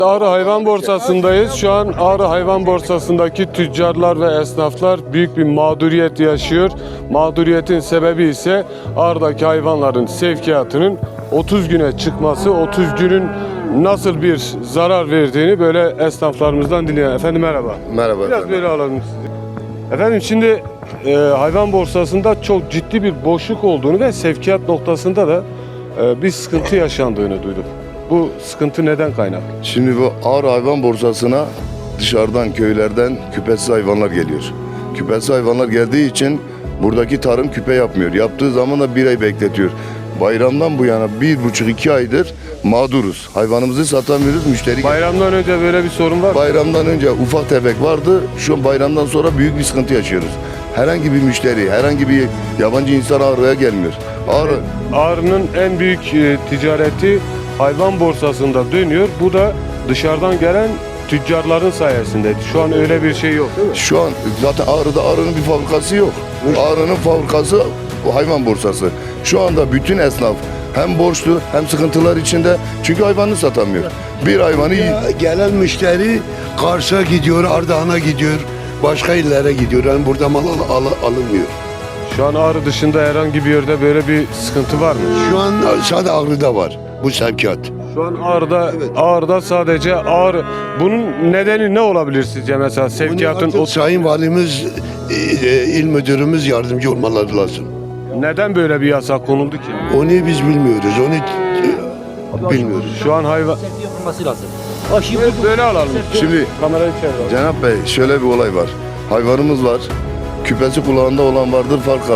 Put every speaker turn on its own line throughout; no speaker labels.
Ağrı Hayvan Borsası'ndayız. Şu an Ağrı Hayvan Borsası'ndaki tüccarlar ve esnaflar büyük bir mağduriyet yaşıyor. Mağduriyetin sebebi ise Ağrı'daki hayvanların sevkiyatının 30 güne çıkması, 30 günün nasıl bir zarar verdiğini böyle esnaflarımızdan dinleyelim. Efendim merhaba.
Merhaba
Biraz
efendim.
böyle alalım sizi. Efendim şimdi hayvan borsasında çok ciddi bir boşluk olduğunu ve sevkiyat noktasında da bir sıkıntı yaşandığını duyduk. Bu sıkıntı neden kaynaklı?
Şimdi bu Ağrı Hayvan Borsası'na dışarıdan, köylerden küpesiz hayvanlar geliyor. Küpesiz hayvanlar geldiği için buradaki tarım küpe yapmıyor. Yaptığı zaman da bir ay bekletiyor. Bayramdan bu yana 1,5-2 aydır mağduruz. Hayvanımızı satamıyoruz, müşteri
Bayramdan önce böyle bir sorun var mı?
Bayramdan önce ufak tefek vardı. Şu an bayramdan sonra büyük bir sıkıntı yaşıyoruz. Herhangi bir müşteri, herhangi bir yabancı insan Ağrı'ya gelmiyor.
Ağrı'nın en büyük ticareti hayvan borsasında dönüyor. Bu da dışarıdan gelen tüccarların sayesinde. Şu an öyle bir şey yok değil mi?
Şu an zaten Ağrı'nın bir fabrikası yok. Ağrı'nın fabrikası hayvan borsası. Şu anda bütün esnaf hem borçlu hem sıkıntılar içinde çünkü hayvanını satamıyor. Bir hayvanı
Gelen müşteri Kars'a gidiyor, Ardahan'a gidiyor, başka illere gidiyor. Yani burada mal alınmıyor.
Şu an Ağrı dışında herhangi bir yerde böyle bir sıkıntı var mı?
Şu an sadece Ağrı'da var bu sevkiyat.
Şu an Ağrı'da sadece Ağrı. Bunun nedeni ne olabilir sizce mesela sevkiyatın?
Bunu Sayın Valimiz, il müdürümüz yardımcı olmaları lazım.
Neden böyle bir yasak konuldu ki?
Onu biz bilmiyoruz, bilmiyoruz.
Şu an hayvan...
yapılması lazım.
Böyle alalım.
Şimdi
Kamerayı çevir.
Cenap Bey şöyle bir olay var. Hayvanımız var. Küpesi kulağında olan vardır fakat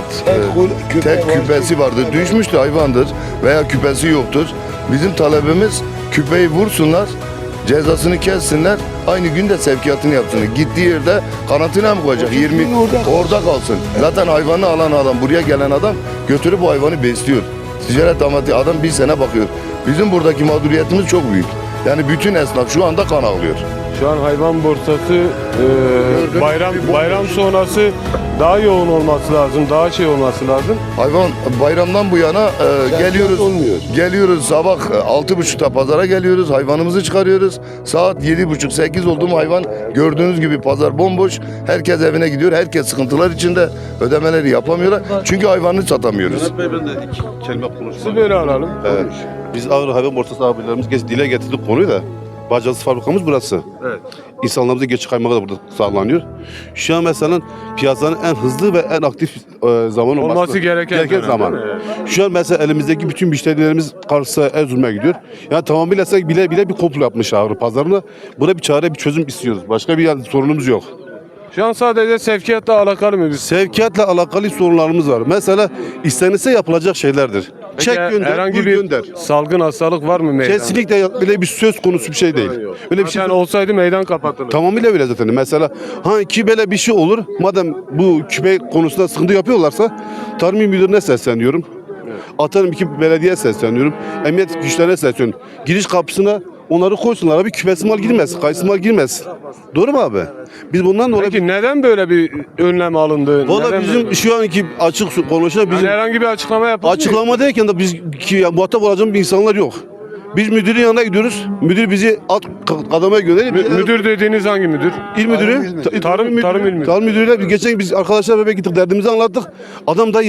tek küpesi vardır. Düşmüştü hayvandır veya küpesi yoktur. Bizim talebimiz küpeyi vursunlar, cezasını kessinler, aynı günde sevkiyatını yapsınlar. Gittiği yerde karantina mı koyacak? 20 orada kalsın. Zaten hayvanı alan adam, buraya gelen adam götürüp bu hayvanı besliyor. Ticaret amacı adam bir sene bakıyor. Bizim buradaki mağduriyetimiz çok büyük. Yani bütün esnaf şu anda kan ağlıyor.
Şu an hayvan borsası bayram sonrası daha yoğun olması lazım, daha şey olması lazım.
Hayvan bayramdan bu yana geliyoruz.
olmuyor.
Geliyoruz sabah 6.30'da pazara geliyoruz. Hayvanımızı çıkarıyoruz. Saat 7.30-8 oldu mu hayvan gördüğünüz gibi pazar bomboş. Herkes evine gidiyor. Herkes sıkıntılar içinde. Ödemeleri yapamıyorlar. Çünkü hayvanını satamıyoruz.
Cenap Bey ben de iki kelime konuşayım.
Siz böyle alalım.
Biz Ağrı Hayvan Borsası abilerimiz dile getirdik konuyu da. Bacası fabrikamız burası.
Evet.
İnsanlarımızın geçiş kaymağı da burada sağlanıyor. Şu an mesela piyasanın en hızlı ve en aktif zaman
Olması gereken dönem,
zaman.
değil mi?
Şu an mesela elimizdeki bütün müşterilerimiz Kars'a, Erzurum'a gidiyor. Yani tamamıyla bile bir komplo yapmış Ağrı pazarına. Buna bir çare, bir çözüm istiyoruz. Başka bir sorunumuz yok.
Şu an sadece sevkiyatla alakalı mı biz?
Sevkiyatla alakalı sorunlarımız var. Mesela istenirse yapılacak şeylerdir.
Peki
Çek gönder,
herhangi
bul
bir
gönder.
salgın hastalık var mı meydanda?
Kesinlikle bile bir söz konusu bir şey değil. Öyle bir şey
Zaten olsaydı meydan kapatılır.
tamamıyla öyle zaten. Mesela ki böyle bir şey olur. Madem bu küpe konusunda sıkıntı yapıyorlarsa Tarım İl Müdürü'ne sesleniyorum. Atarım iki belediye sesleniyorum. Emniyet güçlerine sesleniyorum. Giriş kapısına onları koysunlar abi, küpesi mal girmez, kayısı mal girmez. Doğru mu abi? Biz bundan dolayı...
Peki neden böyle bir önlem alındı?
Valla
Neden
bizim
böyle?
şu anki açık konuşan bizim
Yani herhangi bir açıklama yapıldı mı?
açıklama derken de biz muhatap olacağımız bir insanlar yok. Biz müdürün yanına gidiyoruz. Müdür bizi alt kademeye gönderiyor.
Müdür dediğiniz hangi müdür?
İl müdürü,
Tarım İl Müdürü.
Tarım müdürüyle biz geçen biz arkadaşlar bebek gittik, derdimizi anlattık. Adam da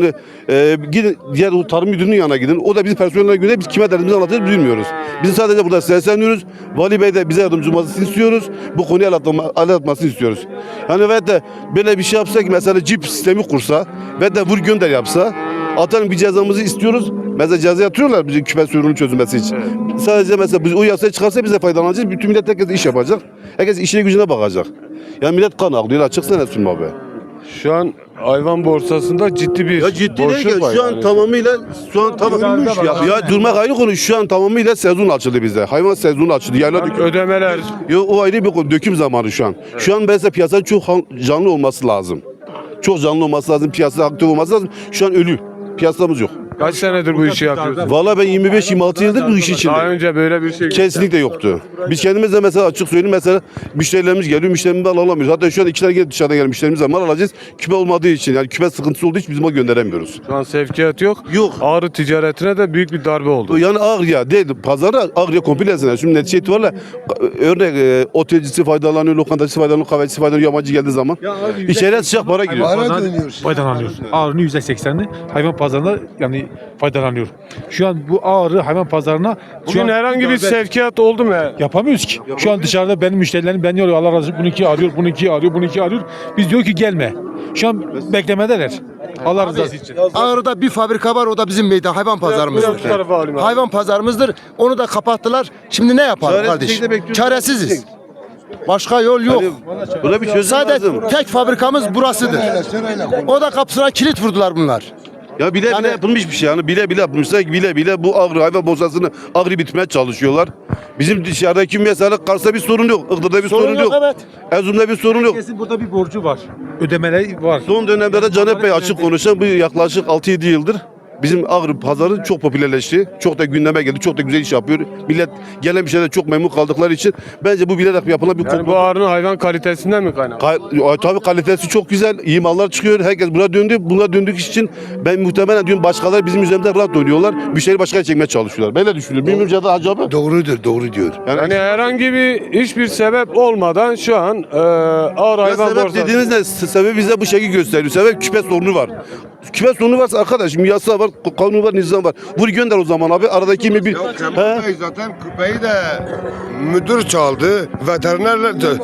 gidin diğer o tarım müdürünün yanına gidin. O da bizi personeline göre biz kime derdimizi anlatıyoruz bilmiyoruz. Biz sadece burada sesleniyoruz. Vali Bey de bize yardımcı olmasını istiyoruz. Bu konuyu anlatmasını istiyoruz. Yani ve de böyle bir şey yapsak mesela cip sistemi kursa ve de vur gönder yapsa atalım bir cezamızı istiyoruz. Mesela ceza yatırıyorlar bizim küpe sorunun çözülmesi için. Sadece mesela biz o yasayı çıkarsa bize faydalanacağız. Bütün millet herkes iş yapacak. Herkes işine gücüne bakacak. Yani millet kan ağlıyor. Açıksana Nesrin abi.
Şu an hayvan borsasında ciddi bir boşluk var.
Şu an tamamıyla durmak ayrı konu. Şu an tamamıyla sezon açıldı bizde. Hayvan sezonu açıldı. Yayla döküm.
Ödemeler.
O ayrı bir konu. Döküm zamanı şu an. Şu an mesela piyasanın çok canlı olması lazım. Çok canlı olması lazım. Piyasa aktif olması lazım. Şu an ölü. Piyasamız yok.
Kaç senedir bu işi yapıyorsun?
Valla ben 25-26 yıldır bu iş
Daha
içindeyim.
önce böyle bir şey
Kesinlikle yoktu. Biz kendimiz de mesela açık söyleyeyim mesela müşterilerimiz geliyor, müşterimizden alamıyoruz. Hatta şu an 2 tane gelip dışarıdan gelen müşterimizle mal alacağız. Küpe olmadığı için yani küpe sıkıntısı olduğu için biz mal gönderemiyoruz.
Şu an sevkiyat yok.
Yok.
Ağrı ticaretine de büyük bir darbe oldu.
Yani Ağrı'ya değil, pazara Ağrı'ya komplesine. Şimdi netice itibariyle örnek otelcisi faydalanıyor, lokantacısı faydalanıyor, kahvecisi faydalanıyor, yabancı geldiği zaman. İçeriye sıcak para giriyor.
Para dönüyor.
Faydalanıyor. Ağrı'nın %80'ini hayvan pazarında yani faydalanıyor. Şu an bu Ağrı hayvan pazarına şu
Bugün
an
herhangi bir sevkiyat oldu mu?
yapamıyoruz ki. Şu an dışarıda benim müşterilerim beni arıyor. Allah razı olsun. Bununki arıyor, bununki arıyor, bununki arıyor. Biz diyor ki gelme. Şu an beklemedeler. Allah rızası için.
Ağrı'da bir fabrika var, o da bizim meydan hayvan
Biraz
pazarımızdır.
bu tarafa alayım abi.
Hayvan pazarımızdır. Onu da kapattılar. Şimdi ne yapalım
Çaresiz
kardeş?
şekilde bekliyoruz.
Çaresiziz. Başka yol yok.
Buna bir çözüm
Sadece
lazım.
tek fabrikamız burasıdır. O da kapısına kilit vurdular bunlar.
Ya bile
Yani-
bile yapılmış bir şey yani bile yapmışlar bile bile bu Ağrı hayvan borsasını Ağrı bitmeye çalışıyorlar. Bizim dışarıdaki mesela Kars'ta bir sorun yok, Iğdır'da bir sorun, yok.
Evet.
Erzurum'da bir sorun yok.
Kesin burada bir borcu var. Ödemeleri var.
Son dönemlerde Caner Bey açık konuşan bu yaklaşık 6-7 yıldır bizim Ağrı pazarı çok popülerleşti. Çok da gündeme geldi. Çok da güzel iş yapıyor. Millet gelen bir şeyden çok memnun kaldıkları için bence bu bilerek yapılan bir
Yani bu ağrının hayvan kalitesinden mi kaynaklı?
Tabii kalitesi çok güzel. İyi mallar çıkıyor. Herkes buna döndü. Buna döndük için ben muhtemelen diyorum başkaları bizim üzerimizde rahat oynuyorlar. Müşteri başka çekmeye çalışıyorlar. Ben de düşünüyorum. Bilmiyorum Cadı Hacı abi.
Doğrudur, doğru diyor.
Yani herhangi hiçbir sebep olmadan şu an ağır
Ya
hayvan
sebep
borsası.
dediğiniz ne? Sebep bize bu şekilde gösteriyor. Sebep küpe sorunu var. Küpe sorunu varsa arkadaşım yasa var, kanun var, nizam var. Vur gönder o zaman abi. Aradaki mi bir... He?
Zaten küpeyi de müdür çaldı, veterinerler de.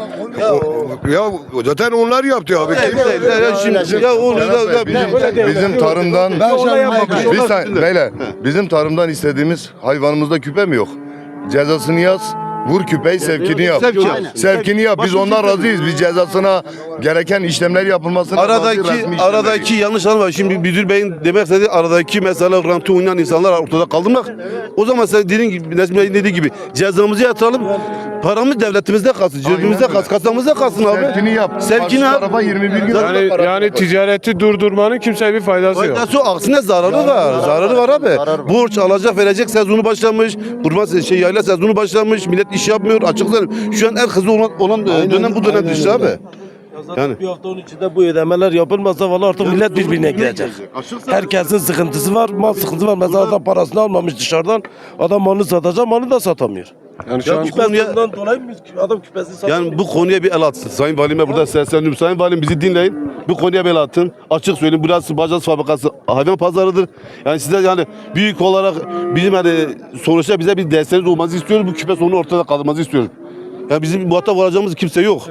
Ya zaten onlar yaptı abi.
Şimdi ya oğlum
Bizim tarımdan
Ben
bir saniye beyler, bizim tarımdan istediğimiz hayvanımızda küpe mi yok? Cezasını yaz. Vur küpeyi sevkini yap.
Sevki yap.
Sevkini yap. Biz
Başka
ondan
bir şey
razıyız. Biz cezasına gereken işlemler yapılmasına
Aradaki yanlış anlama. Şimdi müdür beyin demek istediği aradaki mesela rantı oynayan insanlar ortada kaldırmak. O zaman sen dediğin gibi, Nesmi Bey'in dediği gibi cezamızı yatıralım. Paramız devletimizde kalsın, cebimizde kalsın, kasamızda kalsın abi.
Sevkini yap.
Sevkini
Karşı
yap.
tarafa 21 gün
Yani ticareti durdurmanın kimseye bir faydası yok.
Faydası yok, aksine zararı var. Zararı var abi. Borç alacak verecek sezonu başlamış. Kurban yayla sezonu başlamış. Millet iş yapmıyor. Açık söyleyeyim. Şu an en hızlı olan dönem bu dönem işte abi. Yani
Bir hafta onun içinde bu ödemeler yapılmazsa vallahi artık millet birbirine girecek. Herkesin sıkıntısı var, mal sıkıntısı var. Mesela adam parasını almamış dışarıdan, adam malını satacak, malını da satamıyor.
Yani şu an
Küpesinden dolayı mı adam küpesini satamıyor?
Yani bu konuya bir el atsın. Sayın Valime burada sesleniyorum. Sayın Valim bizi dinleyin. Bu konuya bir el atın. Açık söyleyeyim. Burası Bacaz Fabrikası hayvan pazarıdır. Yani size yani büyük olarak bizim hani sonuçta bize bir desteğiniz olmanızı istiyoruz. Bu küpe sorunu ortada kalmanızı istiyoruz. Ya bizim muhatap olacağımız kimse yok.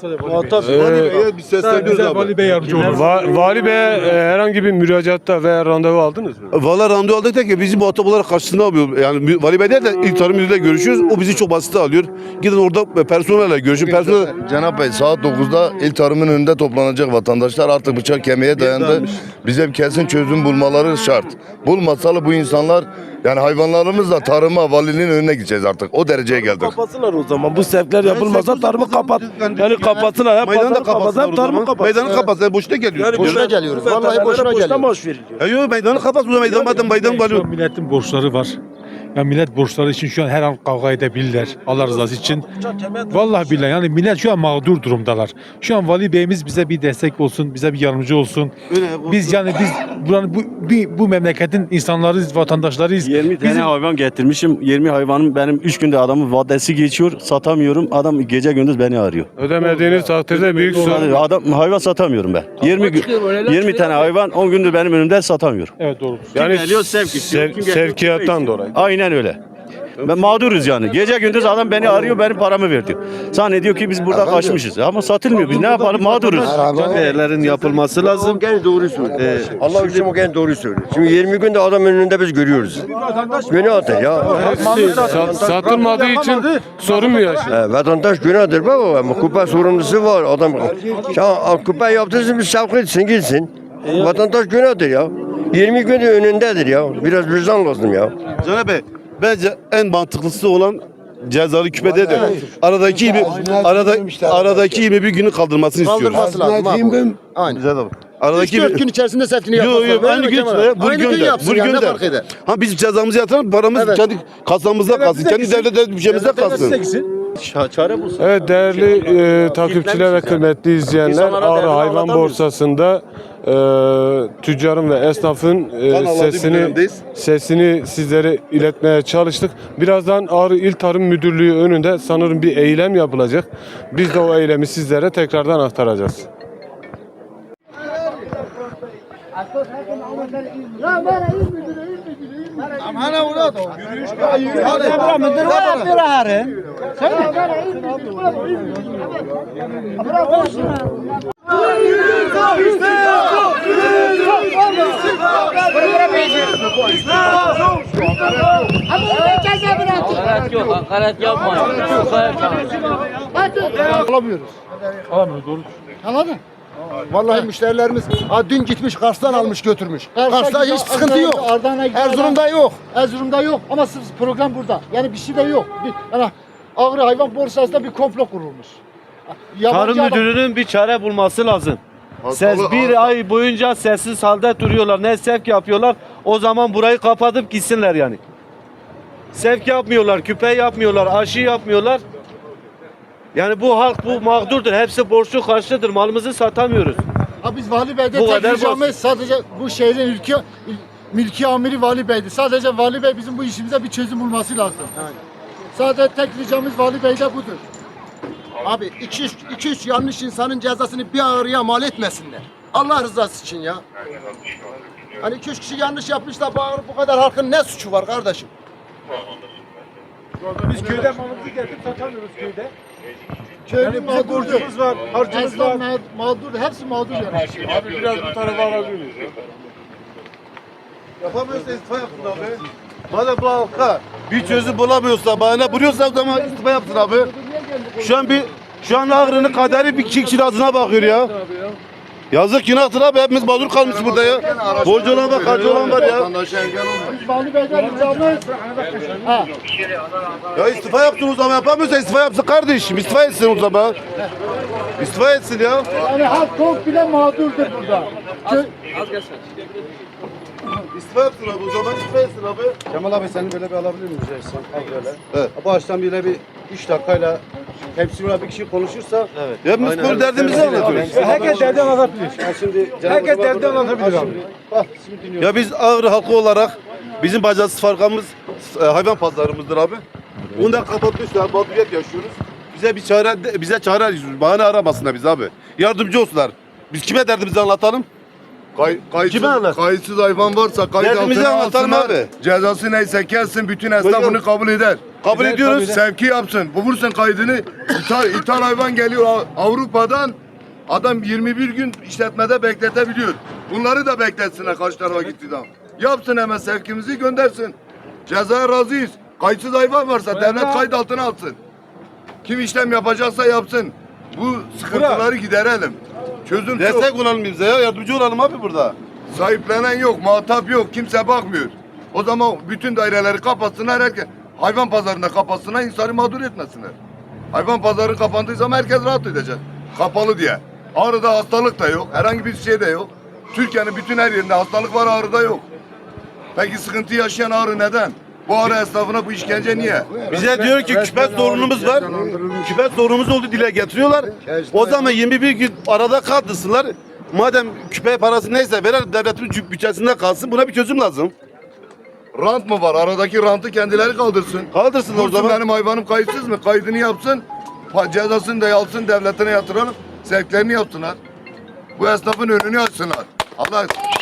Biz sesleniyoruz abi.
Vali Bey yardımcı olur.
Vali Bey'e herhangi bir müracaatta veya randevu aldınız mı?
Valla randevu aldık da ki bizi muhatap olarak karşısına almıyor. Yani Vali Bey değil de İl Tarım Müdürü'yle görüşüyoruz. O bizi çok basite alıyor. Gidin orada personelle görüşün. Personel...
Cenab Bey saat 9'da il tarımın önünde toplanacak vatandaşlar artık bıçak kemiğe dayandı. Bize bir kesin çözüm bulmaları şart. Bulmasalar bu insanlar yani hayvanlarımızla tarıma valinin önüne gideceğiz artık. O dereceye geldik.
Kapatsınlar o zaman. Bu sevkler yapılmazsa tarımı kapat. Yani kapatsınlar. Hem
Meydanı da
pazarı kapatsınlar,
kapatsınlar
hem tarımı kapatsınlar.
Meydanı kapatsınlar. Boşuna geliyor.
Boşuna geliyoruz. Vallahi boşuna geliyoruz.
maaş veriliyor.
Yok meydanı kapat. Bu meydan madem meydan
Şu
var.
an milletin borçları var. Ya millet borçları için şu an her an kavga edebilirler. Allah rızası için. Vallahi billahi yani millet şu an mağdur durumdalar. Şu an Vali Bey'imiz bize bir destek olsun, bize bir yardımcı olsun. Biz buranın bu memleketin insanlarıyız, vatandaşlarıyız.
20 tane hayvan getirmişim. 20 hayvanım benim 3 günde adamın vadesi geçiyor. Satamıyorum. Adam gece gündüz beni arıyor.
Ödemediğiniz takdirde büyük sorun.
Adam hayvan satamıyorum ben. 20 tane hayvan 10 gündür benim önümde satamıyorum.
Evet doğru.
Yani
geliyor, sevk istiyor. Kim geliyor,
sevkiyattan
istiyor.
dolayı.
Aynen öyle. Ben mağduruz yani. Gece gündüz adam beni arıyor, benim paramı ver diyor. Zannediyor ki biz burada kaçmışız. Ama satılmıyor. Biz ne yapalım? Mağduruz.
Değerlerin yapılması lazım.
Gene doğru söylüyor. Allah için o gene doğru söylüyor. Şimdi 20 günde adam önünde biz görüyoruz. Günahtır ya.
Satılmadığı için sorun mu yaşıyor?
Vatandaş günahtır baba ama kupa sorumlusu var adam. Ya kupa yaptırsın bir sevk etsin gitsin. Vatandaş günahtır ya. 20 günde önündedir ya. Biraz vicdan lazım ya.
Caner Bey bence en mantıklısı olan cezalı küpede de aradaki 21 günü kaldırmasını istiyoruz.
Kaldırması lazım abi. Aynen.
Güzel abi. Aradaki
3-4 gün içerisinde sevkini yapmaz.
Yok aynı gün
Aynı gün yapsın yani ne fark eder?
Ha biz cezamızı yatıralım, paramız
Evet.
kendi kasamızda kalsın. Kendi devlet bütçemizde kalsın.
Çare bulsun.
Evet değerli takipçiler ve kıymetli izleyenler,
İnsanlara
Ağrı
derdini
Hayvan
anlatamıyoruz.
Borsası'nda tüccarın ve esnafın sesini sizlere iletmeye çalıştık. Birazdan Ağrı İl Tarım Müdürlüğü önünde sanırım bir eylem yapılacak. Biz de o eylemi sizlere tekrardan aktaracağız.
Hakaret yok, hakaret yapmayın.
Alamıyoruz.
Doğru.
Anladın? Vallahi müşterilerimiz dün gitmiş Kars'tan almış götürmüş. Kars'ta hiç sıkıntı yok. Erzurum'da yok. Erzurum'da yok ama sırf program burada. Yani bir şey de yok. Yani Ağrı Hayvan Borsası'nda bir komplo kurulmuş.
Tarım müdürünün bir çare bulması lazım. Bir ay boyunca sessiz halde duruyorlar. Ne sevk yapıyorlar. O zaman burayı kapatıp gitsinler yani. Sevk yapmıyorlar, küpe yapmıyorlar, aşı yapmıyorlar. Yani bu halk bu mağdurdur. Hepsi borçlu karşıdır. Malımızı satamıyoruz.
Biz Vali Bey'de
Bu
tek
kadar
ricamız sadece bu şehrin mülki amiri Vali Bey'di. Sadece Vali Bey bizim bu işimize bir çözüm bulması lazım. Sadece tek ricamız Vali Bey'de budur. Abi 2-3 yanlış insanın cezasını bir ağrıya mal etmesinler. Allah rızası için ya. Hani 2-3 kişi yanlış yapmış da bu kadar halkın ne suçu var kardeşim?
Biz köyde malımızı getirip satamıyoruz köyde.
Köylü mağdurdur.
var, harcımız var.
Esnaf mağdur, hepsi mağdur yani.
Abi biraz bu tarafa alabilir miyiz?
Yapamıyorsa istifa yapsın abi. Madem bu halka bir çözüm bulamıyorsa, bahane buluyorsa o zaman istifa yapsın abi. Şu an Ağrı'nın kaderi bir kişinin ağzına bakıyor ya. Yazık günahtır abi, hepimiz mağdur kalmışız burada ya. Borcu olan var, harcı olan var ya.
Vali Bey'den ricamız.
Ya istifa yapsın o zaman, yapamıyorsa istifa yapsın kardeşim. İstifa etsin o zaman. İstifa etsin ya.
Yani halk komple mağdurdur burada.
İstifa yapsın abi o zaman, istifa etsin abi.
Kemal abi seni böyle bir alabilir miyiz? Al böyle. Evet. Bu açtan bile bir 3 dakikayla hepsi bir kişi konuşursa. Evet.
Ya biz bu derdimizi anlatıyoruz.
Herkes derdi anlatabilir.
Şimdi
Herkes derdi anlatabilir abi.
Şimdi dinliyorum.
Ya biz Ağrı halkı olarak bizim bacasız farkamız hayvan pazarımızdır abi. Onu da kapatmışlar, mağduriyet yaşıyoruz. Bize çare arıyoruz. Bahane aramasınlar biz abi. Yardımcı olsunlar. Biz kime derdimizi anlatalım?
Kime anlat? Kayıtsız hayvan varsa kayıt
Derdimizi
altına
anlatalım
alsınlar.
abi.
Cezası neyse kelsin, bütün esnaf
Buyurun.
bunu kabul eder.
Kabul ediyoruz.
Sevki yapsın. Bulursun kaydını. İthal hayvan geliyor Avrupa'dan. Adam 21 gün işletmede bekletebiliyor. Bunları da bekletsinler karşı tarafa gittiği zaman. Yapsın hemen sevkimizi göndersin. Cezaya razıyız. Kayıtsız hayvan varsa devlet kayıt altına alsın. Kim işlem yapacaksa yapsın. Bu sıkıntıları giderelim. Çözüm çok.
Destek olalım bize ya. Yardımcı olalım abi burada.
Sahiplenen yok, muhatap yok, kimse bakmıyor. O zaman bütün daireleri kapatsınlar, herkes hayvan pazarında kapatsınlar, insanı mağdur etmesinler. Hayvan pazarı kapandığı zaman herkes rahat edecek. Kapalı diye. Ağrı'da hastalık da yok, herhangi bir şey de yok. Türkiye'nin bütün her yerinde hastalık var, Ağrı'da yok. Peki sıkıntı yaşayan Ağrı neden? Bu Ağrı esnafına bu işkence niye?
Bize diyor ki küpet sorunumuz var. Küpet sorunumuz oldu dile getiriyorlar. O zaman 21 gün arada kaldırsınlar. Madem küpe parası neyse verer devletin bütçesinde kalsın. Buna bir çözüm lazım.
Rant mı var? Aradaki rantı kendileri kaldırsın.
Kaldırsın o
Dursun
zaman.
benim hayvanım kayıtsız mı? Kaydını yapsın. Cezasını da alsın, devletine yatıralım. Sevklerini yapsınlar. Bu esnafın önünü açsınlar. Allah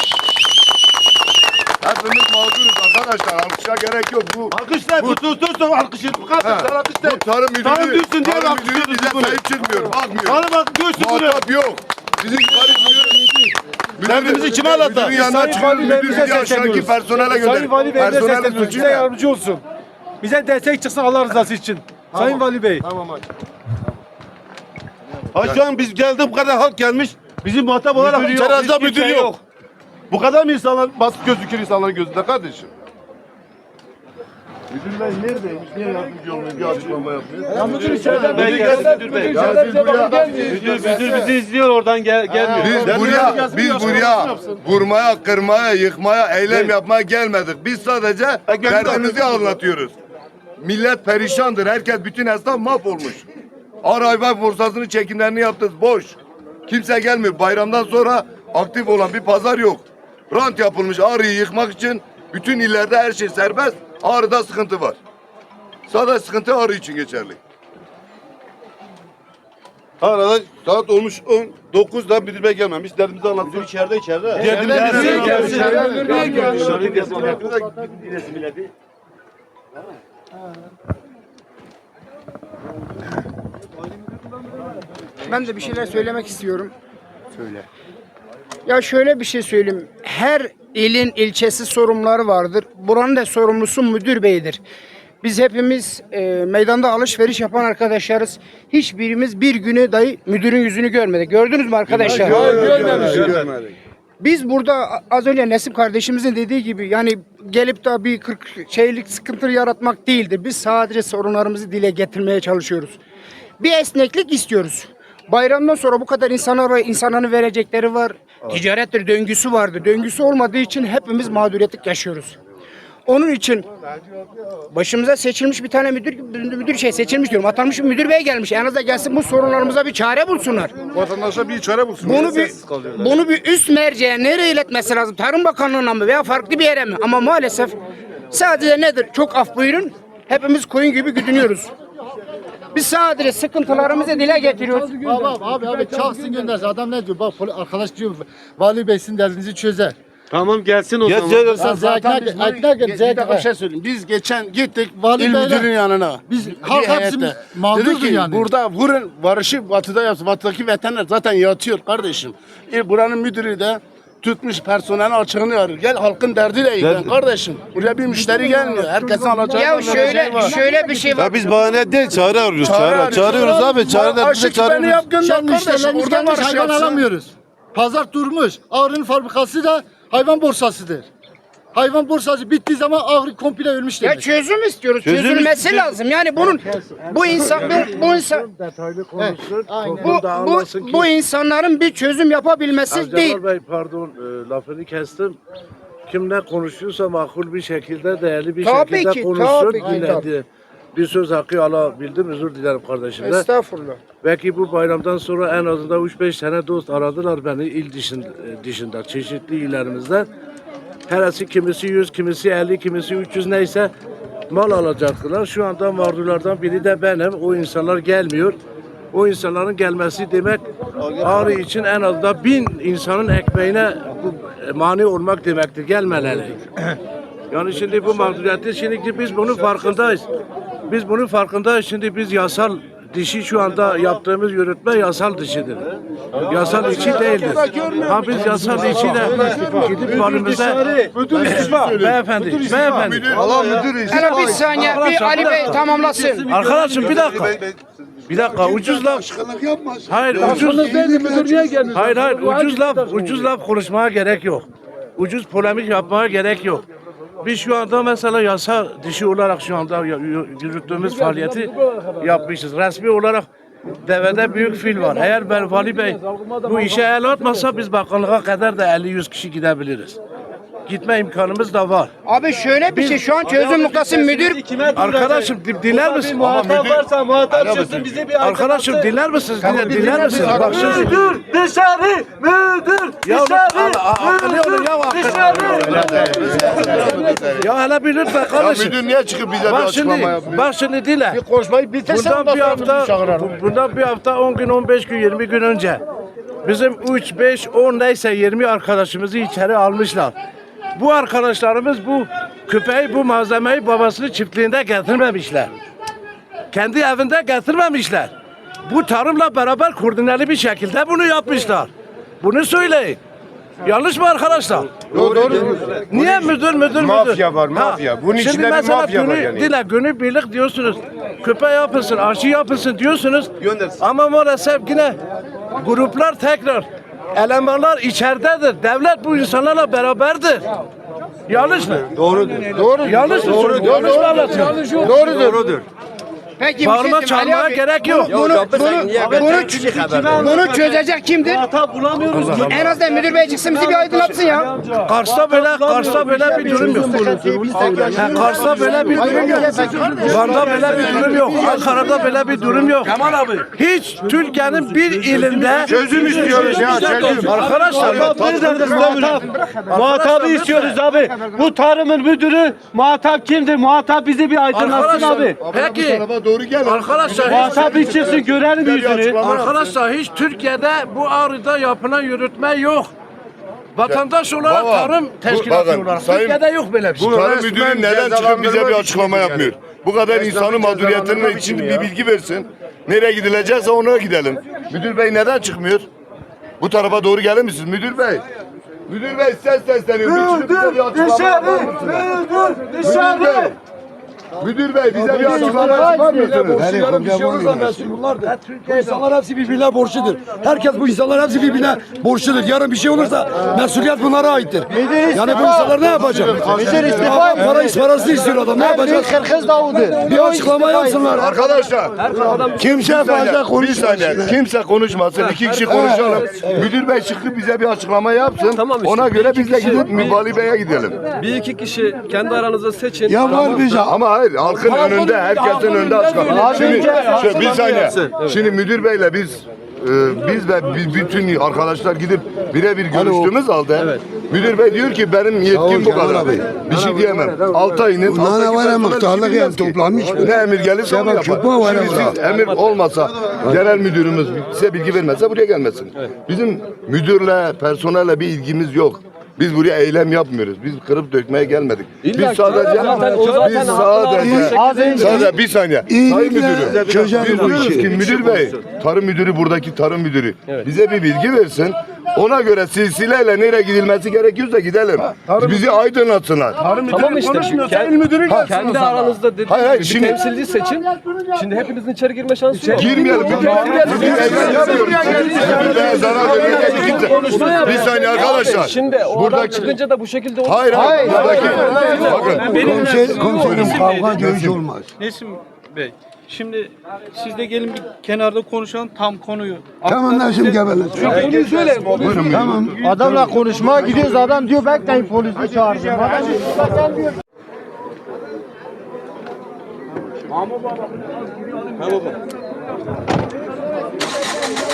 hepimiz mağduruz arkadaşlar. Alkışa gerek yok.
Alkışlar, bu tuttursun alkışı. Bu kadar alkışlar.
Bu tarım müdürü,
Tarım diyorsun diye
tarım müdürü
alkışlıyoruz
bize
bunu.
sahip çıkmıyor. Bakmıyor.
Bana bak diyorsun bunu.
Muhatap yok. Bizim
Derdimizi kime anlatalım?
Müdürün yanına çıkıyor. Müdür bizi aşağıdaki personele gönder.
Sayın Vali Bey'e
Personel
sesleniyoruz.
suçu
Bize
ne?
yardımcı olsun. Bize destek çıksın Allah rızası için. Sayın Vali Bey.
Ha şu an biz geldik bu kadar halk gelmiş. Bizim muhatap olarak içeri alacak müdür yok. Bu kadar mı insanlar basit gözükür insanların gözünde kardeşim?
Müdürler neredeymiş? Niye yardımcı olmuyor? Bir açıklama yapmıyor.
Ben gelsin müdür bey. Müdür bizi izliyor oradan gelmiyor.
Biz buraya vurmaya, kırmaya, yıkmaya, eylem yapmaya gelmedik. Biz sadece derdimizi anlatıyoruz. Millet perişandır. Herkes, bütün esnaf mahvolmuş. Ağrı hayvan borsasının çekimlerini yaptık. Boş. Kimse gelmiyor. Bayramdan sonra aktif olan bir pazar yok. Rant yapılmış Ağrı'yı yıkmak için. Bütün illerde her şey serbest. Ağrı'da sıkıntı var. Sadece sıkıntı Ağrı için geçerli.
Arada saat olmuş 9'da müdür bey gelmemiş. Derdimizi anlatıyor.
İçeride.
Ben de bir şeyler söylemek istiyorum. Söyle. Ya şöyle bir şey söyleyeyim. Her ilin ilçesi sorumluları vardır. Buranın da sorumlusu müdür beydir. Biz hepimiz meydanda alışveriş yapan arkadaşlarız. Hiçbirimiz bir güne dahi müdürün yüzünü görmedik. Gördünüz mü arkadaşlar?
Görmedik.
Biz burada az önce Nesim kardeşimizin dediği gibi yani gelip de bir 40 şeylik sıkıntı yaratmak değildir. Biz sadece sorunlarımızı dile getirmeye çalışıyoruz. Bir esneklik istiyoruz. Bayramdan sonra bu kadar insanların verecekleri var. Ticarettir, döngüsü vardır. Döngüsü olmadığı için hepimiz mağduriyetlik yaşıyoruz. Onun için başımıza seçilmiş bir tane müdür seçilmiş diyorum. Atanmış bir müdür bey gelmiş. En azından gelsin bu sorunlarımıza bir çare bulsunlar.
Vatandaşa bir çare bulsun.
Bunu bir üst merceğe nereye iletmesi lazım? Tarım Bakanlığı'na mı veya farklı bir yere mi? Ama maalesef sadece nedir? Çok af buyurun. Hepimiz koyun gibi güdünüyoruz. Biz sadece sıkıntılarımızı dile getiriyoruz.
Abi çalsın göndersin. Adam ne diyor? Bak arkadaş diyor vali bey sizin derdinizi çözer.
Tamam gelsin o zaman.
Bir
şey söyleyeyim. Biz geçen gittik
Vali
il
beyle-
müdürünün yanına.
Biz halk hepsi
Dedi
mağdurdur
ki
yani.
burada vurun varışı batıda yapsın. Batıdaki veteriner zaten yatıyor kardeşim. Buranın müdürü de tutmuş personelin açığını arıyor. Gel halkın derdiyle ilgilen kardeşim. Buraya bir müşteri gelmiyor. Herkesin alacağı
Ya
vereceği var.
şöyle bir şey var.
Ya biz bahane değil çare arıyoruz. Çağırıyoruz abi. Çare
Aşı
bize
küpeni
çağırıyoruz.
yap gönder
Şimdi
kardeşim.
müşterilerimiz
Burada
gelmiş
varış
hayvan
yapsın.
alamıyoruz. Pazar durmuş. Ağrı'nın fabrikası da hayvan borsasıdır. Hayvan borsası bittiği zaman Ağrı komple ölmüş
Ya
demek.
çözüm istiyoruz. Çözülmesi lazım. Yani bunun bu insanların bir çözüm yapabilmesi değil.
Bey pardon lafını kestim. Kim ne konuşuyorsa makul bir şekilde, değerli bir
Tabii
şekilde
ki,
konuşsun.
tabii ki,
Yine
tabii.
de bir söz hakkı alabildim. Özür dilerim kardeşim de.
Estağfurullah.
Belki bu bayramdan sonra en azından 3-5 tane dost aradılar beni il dışında çeşitli illerimizden. Herisi kimisi 100, kimisi 50, kimisi 300 neyse mal alacaktılar. Şu anda mağdurlardan biri de benim. O insanlar gelmiyor. O insanların gelmesi demek Ağrı için en azından 1000 insanın ekmeğine mani olmak demektir. Gelmeleri. Yani şimdi bu mağduriyeti şimdi biz bunun farkındayız. Biz bunun farkındayız. Şimdi biz yasal dişi şu anda yaptığımız yürütme yasal dışıdır. Yasal içi değildir. Ha biz yasal içiyle gidip valimize beyefendi.
Allah müdür işi.
Hele bir saniye bir Ali Bey tamamlasın.
Arkadaşım bir dakika. Bir dakika ucuz laf. Hayır ucuz. Hayır ucuz laf konuşmaya gerek yok. Ucuz polemik yapmaya gerek yok. Biz şu anda mesela yasa dışı olarak şu anda yürüttüğümüz faaliyeti yapmışız. Resmi olarak devede büyük fil var. Eğer ben Vali Bey bu işe el atmasa biz bakanlığa kadar da 50-100 kişi gidebiliriz. Gitme imkanımız da var.
Abi şöyle bir şey şu an çözüm noktası müdür.
Arkadaşım dinler misin?
Muhatap varsa muhatap çözsün bize bir
Arkadaşım dinler misiniz? Dinler misiniz? Bak şimdi.
Müdür dışarı! Müdür
Ya
dışarı!
Ya hele bir lütfen kardeşim.
Müdür niye çıkıp bize bir
Bak
açıklama
şimdi,
yapmıyor?
bak şimdi dinle.
Konuşmayı bitirsen
Bundan bir hafta 10 gün 15 gün 20 gün önce bizim 3 5 10 neyse 20 arkadaşımızı içeri almışlar. Bu arkadaşlarımız bu köpeği bu malzemeyi babasının çiftliğinde getirmemişler. Kendi evinde getirmemişler. Bu tarımla beraber koordineli bir şekilde bunu yapmışlar. Bunu söyleyin. Yanlış mı arkadaşlar?
Doğru.
Niye müdür?
Mafya var, mafya. Bunun
Şimdi
içinde bir
mesela
mafya var yani.
Günübirlik diyorsunuz. Köpeği yapılsın, aşı yapılsın diyorsunuz. Ama maalesef yine gruplar tekrar elemanlar içeridedir. Devlet bu insanlarla beraberdir. Yanlış mı? Doğrudur. Yanlış mı? Doğrudur.
Peki bir
Bağırma
şey diyeyim, Ali
çağırmaya
abi.
gerek yok.
Bunu çözecek kimdir?
Bulamıyoruz.
En azından müdür bey çıksın bizi bir aydınlatsın ya.
Kars'ta böyle bir durum yok. Kars'ta böyle bir durum yok. Van'da böyle bir durum yok. Ankara'da böyle bir durum yok. Kemal abi. Hiç Türkiye'nin bir ilinde
Çözüm istiyoruz ya, çözüm.
Arkadaşlar
Muhatabı istiyoruz abi. Bu tarımın müdürü muhatap kimdir? Muhatap bizi bir aydınlatsın abi.
Peki.
Doğru gel.
Arkadaşlar
Muhatap bir çıksın görelim yüzünü.
Arkadaşlar hiç Türkiye'de bu ağrıda yapılan yürütme yok. Vatandaş olarak
Baba,
tarım teşkilatı
bakın,
olarak.
sayın-
Türkiye'de yok böyle bir şey.
Tarım müdürü neden çıkıp bize bir açıklama yapmıyor? Bu kadar insanın mağduriyetinin için bir bilgi versin. Nereye gidilecekse ona gidelim. Müdür bey neden çıkmıyor? Bu tarafa doğru gelir misiniz müdür bey? Müdür bey sesleniyor. Bir çıkıp bize bir açıklama yapar mısınız? Müdür bey. Müdür bey bize bir açıklama yapar mısınız?
Bir şey olursa
Bunlardır. Bu insanlar hepsi birbirine borçludur. Herkes bu insanlar hepsi birbirine borçludur. Yarın bir şey olursa mesuliyet bunlara aittir. Yani bu insanlar ne yapacak? Parasını istiyor adam. Ne yapacak? Bir açıklama yapsınlar.
Arkadaşlar
Kimse fazla
bir
konuşmasın.
saniye kimse konuşmasın. İki kişi konuşalım. Müdür bey çıkıp bize bir açıklama yapsın.
Tamam işte,
Ona
bir
göre
iki
biz de
kişi-
gidip Vali Bey'e gidelim.
Bir iki kişi kendi aranızda seçin.
Ya var bize.
Ama hayır halkın önünde herkesin önünde açıklama. Şimdi bir saniye. Şimdi müdür beyle biz ve bütün arkadaşlar gidip birebir görüştüğümüz halde müdür bey diyor ki benim yetkim bu
Kemal
kadar.
abi.
Bir şey diyemem. 6 ayının
Bunlar ne var ya,
personel
muhtarlık
işi
yani
bilmez ki.
toplamış mı?
Ne emir gelirse onu
Sebep
yapar.
çok mu var
Şimdi
ya
siz emir olmasa genel müdürümüz size bilgi vermezse buraya gelmesin. Bizim müdürle personelle bir ilgimiz yok. Biz buraya eylem yapmıyoruz. Biz kırıp dökmeye gelmedik. Biz sadece sadece bir saniye.
İyi
Sayın
bilgiler
müdürüm.
çözer
Biz
bu
diyoruz
işi.
ki müdür bey, tarım müdürü buradaki tarım müdürü bize bir bilgi versin. Ona göre silsileyle nereye gidilmesi gerekiyorsa gidelim. Bizi aydınlatsınlar.
Tamam işte. Kendi aranızda dediğiniz
Hayır, hayır,
gibi
şimdi-
bir temsilci seçin. Şimdi hepinizin içeri girme şansı yok.
Girmeyelim. Biz eylem yapıyoruz. Birbirine zarar vermeye kimse. Bir saniye arkadaşlar.
Şimdi o adam
Buradaki
çıkınca da bu şekilde olur.
Hayır, hayır. Buradaki bakın.
Komiserim kavga dövüş olmaz.
Nesim Bey, şimdi siz de gelin bir kenarda konuşalım tam konuyu.
Tamam Nesim geberlesin.
Konuyu söyle.
Tamam.
Adamla konuşmaya gidiyoruz adam diyor bekleyin polisi çağıracağım. Adam diyor, sen diyor.